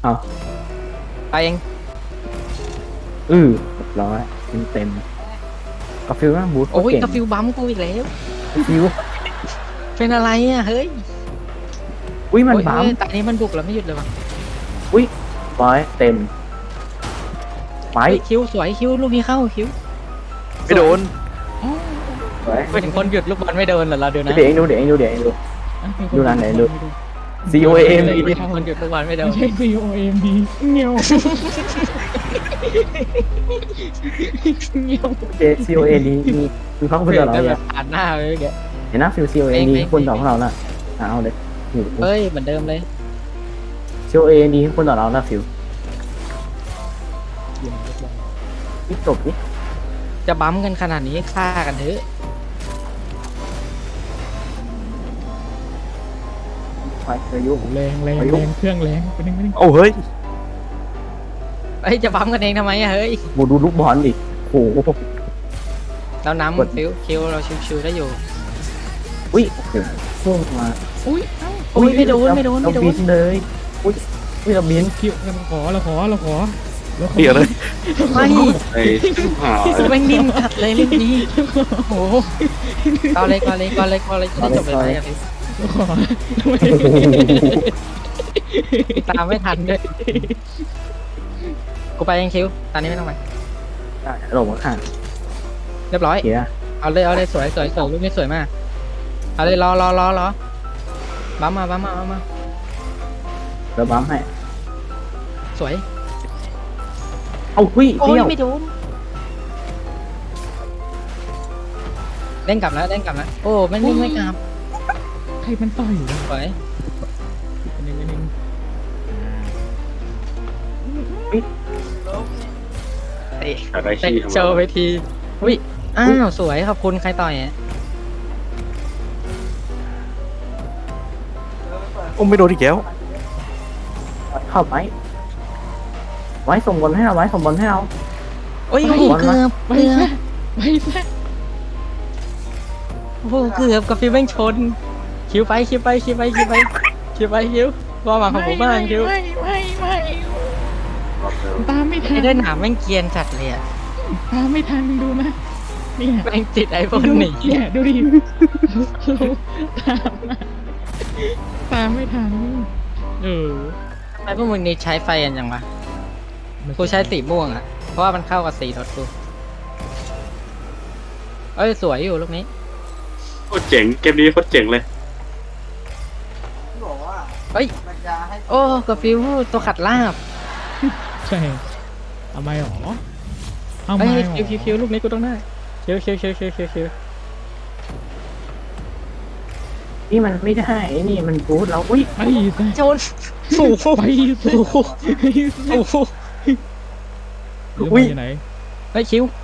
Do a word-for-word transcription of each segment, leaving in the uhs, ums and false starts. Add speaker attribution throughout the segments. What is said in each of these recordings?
Speaker 1: เอา
Speaker 2: ไปเอง
Speaker 1: อือเรียบร้อยเต็มเต็มกาฟิลนะบูท
Speaker 2: โอ้ย
Speaker 1: เก่ง
Speaker 2: กาฟิวบัมกูอีกแล้ว
Speaker 1: กาฟิล
Speaker 2: เป็นอะไรอ่ะเฮ้ย
Speaker 1: อุ้ยมัน
Speaker 2: โอ้ย
Speaker 1: บัม
Speaker 2: เฮ้ยตอนนี้มันบุกแล้วไม่หยุดเลยวะ
Speaker 1: อุ้ยร้อยเต็มไป
Speaker 2: เฮ้ยคิวสวยคิวลูกนี้เข้าคิว
Speaker 3: ไม่โดน
Speaker 1: สวย
Speaker 2: เป็นคนหยุดลูกบอลไม่โดนเหรอเราเดี๋ยวนะ
Speaker 1: เดี๋ยวเองดูเดี๋ยวเองดูเดี๋ยวเองดู ดูร้านไหนดู C O A M
Speaker 2: เป็นคนหยุดลูกบอลไม่โดน
Speaker 4: ไม่ใช่ C O M D เงี้ยวเงี้ยว
Speaker 1: เจ C O A ดีมีมีเขาเป็นต่อเรา
Speaker 2: แบ
Speaker 1: เนี่ย
Speaker 2: บผ่านหน้าไปเลยแก
Speaker 1: เห็นนะฟิล C O A ดีคนต่อของเราน่ะเอาเลยอยู่
Speaker 2: เฮ้ยเหมือนเดิมเลย
Speaker 1: C O A ดีคนต่อเราน่ะฟิลนี่จบนี่
Speaker 2: จะบัมกันขนาดนี้ฆ่ากันเถอะ
Speaker 1: ไปอายุ
Speaker 4: แรงแรงแรงเครื่องแรงไปนึงไปนึง
Speaker 3: โอ้เฮ้ย
Speaker 2: เฮ้ยจะบัมกันเองทำไมอะเฮ้ย
Speaker 1: บูดูลูกบอลดิโอ้โห
Speaker 2: เรา
Speaker 1: กด
Speaker 2: น้ำฟิวคิวเราชิวๆได้อยู่
Speaker 1: อุ้ยโอ้โหพุ่งมา
Speaker 4: อุ้ยเอ้า
Speaker 2: โอ้ยไม่โดนไม่โดนไม่โด
Speaker 1: เรา
Speaker 2: น
Speaker 1: บินเลยอุ้ยอุ้ยเราบิน
Speaker 4: คิวเราขอเราขอเราขอเราขอ
Speaker 3: เปียกเลย
Speaker 2: ไม่
Speaker 3: ไอ้หา
Speaker 2: แม่งนิ่มจัดเลยเล่นดีโอ้โหก่อนเลยก่อนเลยก่อนเลยก่อนเลยจะได้จบเลยไหมอะพี่
Speaker 4: เราขอทำไม
Speaker 2: ตามไม่ทันด้วยกูไปยังคิวตอนนี้ไม่ต้องไป
Speaker 1: ได้ลงมาข้าง
Speaker 2: เรียบร้อย
Speaker 1: เขีย
Speaker 2: เอาเลยเอาเลยสวยสวยสวยรูปนี้สวยมากเอาเลยรอรอรอรอบัมมาบัมมาบัมมา
Speaker 1: แล้วบัมให้
Speaker 2: สวย
Speaker 1: เอาหุ้ย
Speaker 2: โอ้
Speaker 1: เดี
Speaker 2: ย
Speaker 1: ยว
Speaker 2: ไม่โดนเล่นกลับแล้วเล่นกลับแล้วโอ้ไม่วิ่งไม่กลับ
Speaker 4: ใครมันต่อยอยู่
Speaker 2: สวย
Speaker 4: ไปนึงไปนึง
Speaker 2: เตะ
Speaker 3: อะไร
Speaker 2: เตะ
Speaker 3: ขี้
Speaker 2: โชว์ไปทีอุ้ยอ้าวสวยขอบคุณใครต่อยอ่ะ
Speaker 3: โอ้ไม่โดนอีกแล้ว
Speaker 1: เข้าไปไว้ส่งบอลให้เราไว้ส่งบอลให้เรา
Speaker 2: โอ้ยโอ้โหเกือบ
Speaker 4: ไป
Speaker 2: เกือ
Speaker 4: ซะ
Speaker 2: บ
Speaker 4: ไปซะ
Speaker 2: โอ้โหเกือบกับฟิวแม่งชนคิวไปคิวไปคิวไปคิวไปคิวไปคิวว่ามาของผมบ้างคิว
Speaker 4: ไม่ไม่ไม่ตามไม่ทั
Speaker 2: ไอ้
Speaker 4: น
Speaker 2: เดินหนามแม่งเกรียนจัดเลยอ่ะ
Speaker 4: ตามไม่ทันดูนะเนี่ย
Speaker 2: แม่งติดไอโฟนหนี
Speaker 4: เนี่ยดูดิตามมาตามไม่ทันเออ
Speaker 2: ทำไมพวกมึงนี่ใช้ไฟกันยังวะกูใช้สีม่วงอ่ะเพราะว่ามันเข้ากับสีรถกูเอ้ยสวยอยู่ลูกนี้
Speaker 3: โคตรเจ๋งเกมนี้โคตรเจ๋งเลย
Speaker 2: เฮ้ยโอ้กับฟิวตัวขัดลาบ
Speaker 4: ใช่เอาไม่หรอเอา
Speaker 2: เฮ้
Speaker 4: ไม่
Speaker 2: ย
Speaker 4: หรอ
Speaker 2: คิวคิวคิวลูกนี้กูต้องได้คิวคิวคิวคิวคิวคิว
Speaker 1: นี่มันไม่ได้ไอ้นี่มันบูทเราอุ้ย
Speaker 4: ไปซะ
Speaker 2: โจนโอ้โห
Speaker 4: ไปซะ
Speaker 2: โอ้โห
Speaker 4: ไปซะ
Speaker 2: โอ้โห
Speaker 4: เดี๋ยวมันอยู่ไหน
Speaker 2: เฮ้ยคิว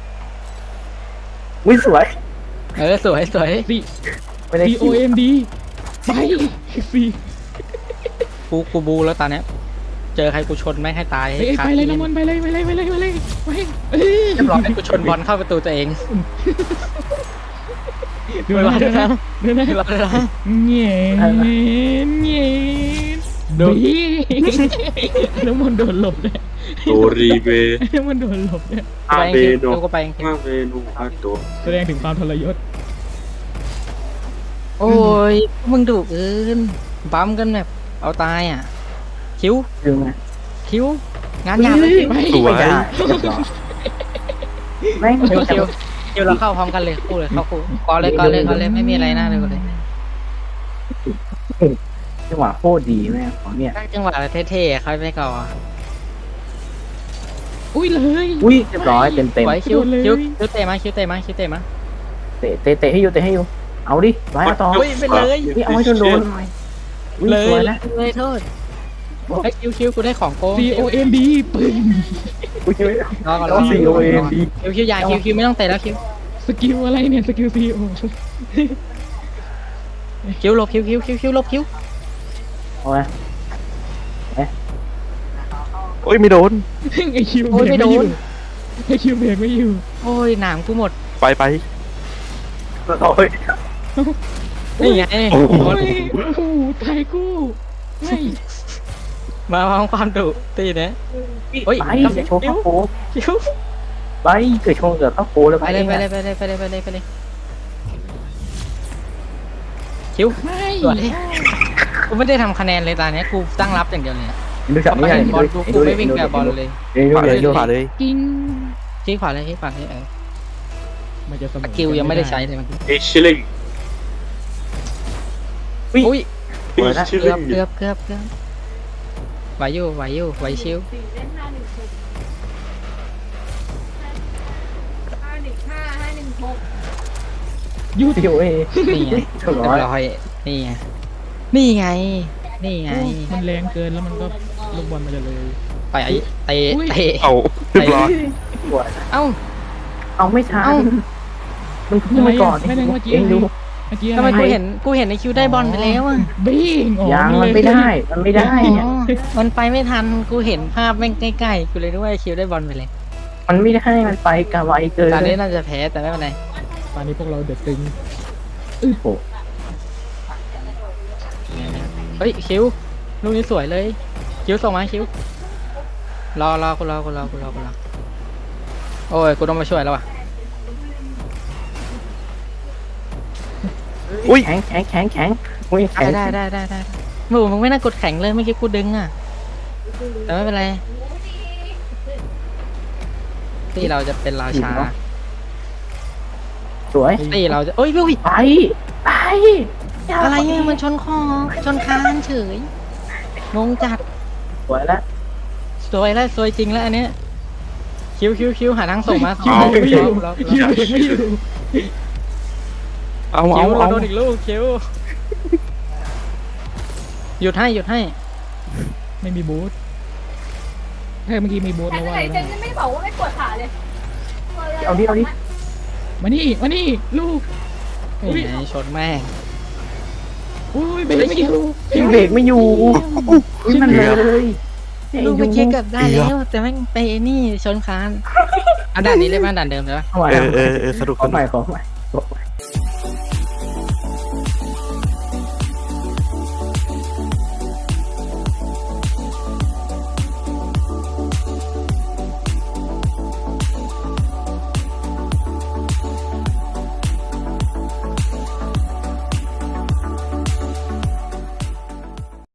Speaker 1: อุ้ยสวย
Speaker 2: เออสวยสวย
Speaker 4: ซี
Speaker 1: ไม่ได้
Speaker 4: ซีโอ
Speaker 1: คิว
Speaker 4: เอ็มดีไปซี
Speaker 2: กูกูบูแล้วตอนเนี้ยเจอใครกูชนไม่งให้ตาย
Speaker 4: เอ้ย
Speaker 2: ขา
Speaker 4: ไปเลย
Speaker 2: ที่
Speaker 4: น้ำมันไปเลยไปเลยไปเลยไปเลยไปเอ้ย
Speaker 2: เรียบร้อยกูชนบอลเข้าประตูตัวเอง
Speaker 4: เดูนะเดูนะเดูนะ
Speaker 2: เรียบร้อยแล้ว
Speaker 4: เงี้ยเงี้ยบีน้ำมันโดนหลบเลย
Speaker 3: โตรีเบ
Speaker 4: น้ำมันโดนหลบเนี่ย
Speaker 3: อา
Speaker 2: ไป
Speaker 3: เบ
Speaker 2: เอง
Speaker 3: โน
Speaker 2: คิวกูไปเองคิว
Speaker 3: อาเบโนอาโต
Speaker 4: แสดงถึงความทรยศ
Speaker 2: โอ้ยมึงดุเกินบัมกันแบบเอาตายอ่ะคิว
Speaker 1: ดึงไง
Speaker 2: คิวงานหยาบเลยคิว
Speaker 4: ไป
Speaker 3: สว
Speaker 1: ไม่
Speaker 3: ย
Speaker 1: ได้เรียบร้อยแม่ง
Speaker 2: คิวคิวคิวเราเข้าพร้อมกันเลยคู่เลยเข้าคู่ก่อนเลยก่อนเลยก่อนเลยไม่มีอะไรน่าเลยก่อนเลย
Speaker 1: จังหวะโคตรดีแม่งของเนี่ย
Speaker 2: จังหวะอะไรเท่ๆเขาไม่ก่อน
Speaker 4: อุ้ยเลย
Speaker 1: อุ้ยเรียบร้อยเต็มเต็ม
Speaker 2: ไว้คิวคิวคิวเตะมาคิวเตะมาคิวเตะมา
Speaker 1: เตะเตะเตะให้อยู่เตะให้อยู่เอาดิไว้เอาต่อ
Speaker 2: เฮ้ยไปเลย
Speaker 1: นี่เอาให้โดนโดนหน่อยอุ้ย
Speaker 2: เล
Speaker 1: สวย ยนะ
Speaker 2: เลยโทษไอ้คิวคิวกูได้ของโกง
Speaker 4: ซีโอเอ็มดีปึ้ง
Speaker 1: อุ้ย
Speaker 2: รอก่อนร
Speaker 1: เรา
Speaker 2: อ
Speaker 1: สี่โอเอ็มดี
Speaker 2: คิวคิวยาคิวคิวไม่ต้องเตะแล้วคิว
Speaker 4: สกิลอะไรเนี่ยสกิลซีโอ
Speaker 2: คิวหลบคิวคิวคิวคิวหลบคิว
Speaker 1: เอาไว้
Speaker 3: โอ้ยไม่โดน
Speaker 4: ไอคิวเบรกไม่อยู่ไอคิวเบรกไม่อยู่
Speaker 2: โอ้ยหนามกูหมด
Speaker 3: ไปไป
Speaker 1: โอ้ย
Speaker 2: นี่ไง
Speaker 3: โอ้โห
Speaker 4: โอ้ยโอ้โหไทยกู้ไม่
Speaker 2: มาพร้อมความดุตีเนี้ยเฮ้ย
Speaker 1: ไปเกิดโชว์เข้าโค
Speaker 2: คิว
Speaker 1: ไปเกิดโชว์เกิดเข้าโคแล้ว
Speaker 2: ไปเลยไปเลยไปเลยไปเลยไปเลยไปเลยคิว
Speaker 4: ไม่
Speaker 2: สวยกูไม่ได้ทำคะแนนเลยตอนนี้กูตั้งรับอย่างเดียวเลยอะ
Speaker 1: ดูช็อต
Speaker 2: ไม่
Speaker 1: นี้
Speaker 2: เห็นบอล
Speaker 1: ดู
Speaker 2: กูกูไม่วิ่งแบบบอลเลย
Speaker 1: ดูเลยดู
Speaker 3: ขวาเลย
Speaker 4: กิ้ง
Speaker 2: ชี้ขวาเลยชี้ขวาเลยเออ
Speaker 4: มันจะเสม
Speaker 2: ส
Speaker 4: อ
Speaker 2: กิลยังไม่ได้ใช้เลยมัน
Speaker 3: เอชิลิง
Speaker 2: อุ้ย
Speaker 3: เอชิ
Speaker 2: เกื
Speaker 3: ลิ
Speaker 2: อบ
Speaker 3: ง
Speaker 2: เกือบเกือบเกือบไหวอยู่ไหวอยู่ไหวชิว
Speaker 4: ยู
Speaker 1: ดิโอเอ
Speaker 2: นี่ไง
Speaker 1: ถูก
Speaker 2: เรีย
Speaker 1: ร้อย
Speaker 2: บร้อยนี่ไงนี่ไงนี่ไง
Speaker 4: มันแรงเกินแล้วมันก็ลูกบอลมันจะเลย
Speaker 2: ไปไอ้เตะ
Speaker 4: อุ้ย
Speaker 2: เตะ
Speaker 3: เอาเรียบร้อย
Speaker 1: สวย
Speaker 2: เอ้า
Speaker 1: เอาไม่ทัน
Speaker 2: เอ้า
Speaker 1: มันพุ่งไปก่อน
Speaker 4: ไม่ได้เมื่อกี้
Speaker 1: เองดู
Speaker 4: เมื่อกี้
Speaker 2: ทำไม
Speaker 4: อะไร
Speaker 2: กูเห็นกูเห็นในคิวได้บอลไปแล้วอ่ะ
Speaker 4: บิ้งอ๋อ
Speaker 1: ยังมัน
Speaker 4: เลย
Speaker 1: ไม่ได้ มันไม่ได้
Speaker 2: อ๋อมันไปไม่ทันกูเห็นภาพแม่งใกล้ๆกูเลยนึกว่าไอ้คิวได้บอลไปเลย
Speaker 1: มันไม่ได้มันไปกะไวเกิน
Speaker 2: ตอนนี้น่าจะแพ้แต่ไม่เป็นไร
Speaker 4: ตอนนี้พวกเราเดือดตึง
Speaker 1: โอ้โห
Speaker 2: เฮ้ยคิวลูกนี้สวยเลยคิวส่งมาคิวรอรอกูรอกูรอกูรอกูรอโอ้ยกูต้องมาช่วยแล้วว่ะ
Speaker 1: อุ้ยแข็งแข็งแข็งแข็งอุ้ยแข็ง
Speaker 2: ได้ได้ได้ได้ได้มึงมึงไม่น่ากดแข็งเลยเมื่อกี้กูดึงอ่ะแต่ไม่เป็นไรที่เราจะเป็นราชา
Speaker 1: สวย
Speaker 2: ที่เราจะโอ้ยลุย
Speaker 1: ไปไป
Speaker 2: อะไรเนี่ยมันชนคอชนคานเฉยงงจัด
Speaker 1: สวยแล้ว
Speaker 2: สวยแล้วสวยจริงแล้วอันเนี้ยคิวคิวคิวหาทางส่งมา
Speaker 4: คิว
Speaker 2: เอา
Speaker 4: ไม่อยู่
Speaker 2: เรา
Speaker 4: คิวเบรกไม่อยู่
Speaker 3: เอา
Speaker 2: คิ
Speaker 3: เอา
Speaker 2: วเรา
Speaker 3: เอา
Speaker 2: โดนอีกลูกคิวหยุดให้หยุดให้
Speaker 4: ไม่มีบูทถ้าเมื่อกี้มีบูท
Speaker 5: แต่
Speaker 4: แล้วว่า
Speaker 5: ไหน
Speaker 4: อะไร
Speaker 5: เจ
Speaker 4: บ้าง
Speaker 5: นไม่บอกว่าไม่ปวดขาเลย
Speaker 1: เอาดิเอาดิ
Speaker 4: มานี่มานี่ลูก อุ๊ย
Speaker 2: นี่ไงชนแม่ง
Speaker 4: อุ้ยเบรกไม่อยู่
Speaker 1: ยังเบรกไม่อยู่อุ้ยมันเลยเนี่ย
Speaker 2: ลูก
Speaker 1: อ
Speaker 2: ไป
Speaker 1: ยู่
Speaker 2: เช็คเกับได้แล้วแต่แม่งไปนี่ชนคานอ่ะด่านนี้เลยป่ะด่านเดิมเลยป่ะ
Speaker 1: เอาใหม่
Speaker 3: เออเออเออสนุก
Speaker 1: ขอ
Speaker 3: ส
Speaker 1: ให
Speaker 3: นุ
Speaker 1: ม่
Speaker 3: ก
Speaker 1: ขอใหม่